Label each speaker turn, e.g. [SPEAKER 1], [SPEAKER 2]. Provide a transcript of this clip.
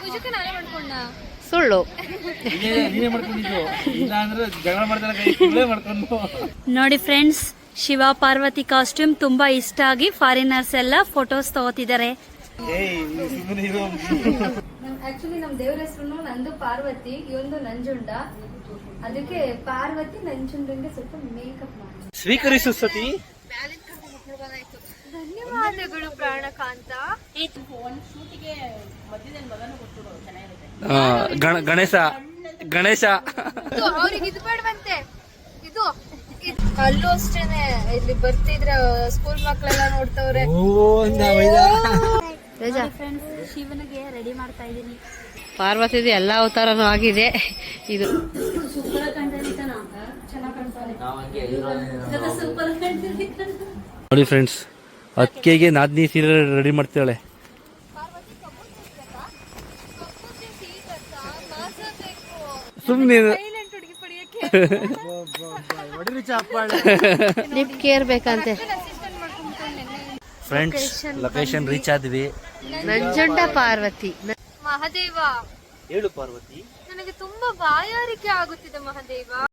[SPEAKER 1] ಸುಳ್ಳು. ನೋಡಿ friends, Shiva Parvati costume ತುಂಬಾ ಇಷ್ಟ ಆಗಿ ಫಾರಿನರ್ಸ್ ಎಲ್ಲ ಫೋಟೋಸ್ ತಗೋತಿದ್ದಾರೆ. ಆಕ್ಚುಲಿ ನಮ್ ದೇವ್ರ ಹೆಸರು ನಂದು ಪಾರ್ವತಿ, ಇವೊಂದು ನಂಜುಂಡ. ಅದಕ್ಕೆ ಪಾರ್ವತಿ ನಂಜುಂಡಂಗೆ ಸ್ವಲ್ಪ ಮೇಕಪ್ ಮಾಡಿ
[SPEAKER 2] ಸ್ವೀಕರಿಸು ಸತಿ.
[SPEAKER 1] ಧನ್ಯವಾದಗಳು ಪ್ರಾಣಕಾಂತ.
[SPEAKER 2] ಗಣೇಶ ಗಣೇಶ
[SPEAKER 1] ಅವ್ರಿಗೆ ಇದು ಬೇಡವಂತೆ. ಇದು ಅಲ್ಲೂ ಅಷ್ಟೇನೆ, ಇಲ್ಲಿ ಬರ್ತಿದ್ರ ಸ್ಕೂಲ್ ಮಕ್ಕಳೆಲ್ಲ ನೋಡ್ತವ್ರೆ. ಫ್ರೆಂಡ್ಸ್, ಶಿವನಿಗೆ ರೆಡಿ ಮಾಡ್ತಾ ಇದೀನಿ. ಪಾರ್ವತಿದು ಎಲ್ಲಾ ಅವತಾರನೂ ಆಗಿದೆ. ಇದು ಸೂಪರ್ ಕಾಣ್ತಾನೆ, ಸೂಪರ್ ಕಾಣ್ತಾನೆ.
[SPEAKER 2] ನೋಡಿ ಫ್ರೆಂಡ್ಸ್, ಅಕ್ಕಿಗೆ ನಾದ್ನಿ ಸೀರೆ ರೆಡಿ ಮಾಡ್ತಾಳೆ. ಸುಮ್ಮನೆ ಲಿಫ್ಟ್ ಕೇರ್ ಬೇಕಂತೆ. ಫ್ರೆಂಡ್ಸ್, ಲೊಕೇಶನ್ ರೀಚ್ ಆದ್ವಿ.
[SPEAKER 1] ನಂಜುಂಡ ಪಾರ್ವತಿ. ಮಹಾದೇವ
[SPEAKER 2] ಹೇಳು ಪಾರ್ವತಿ.
[SPEAKER 1] ನನಗೆ ತುಂಬಾ ಬಾಯಾರಿಕೆ ಆಗುತ್ತಿದೆ ಮಹಾದೇವ.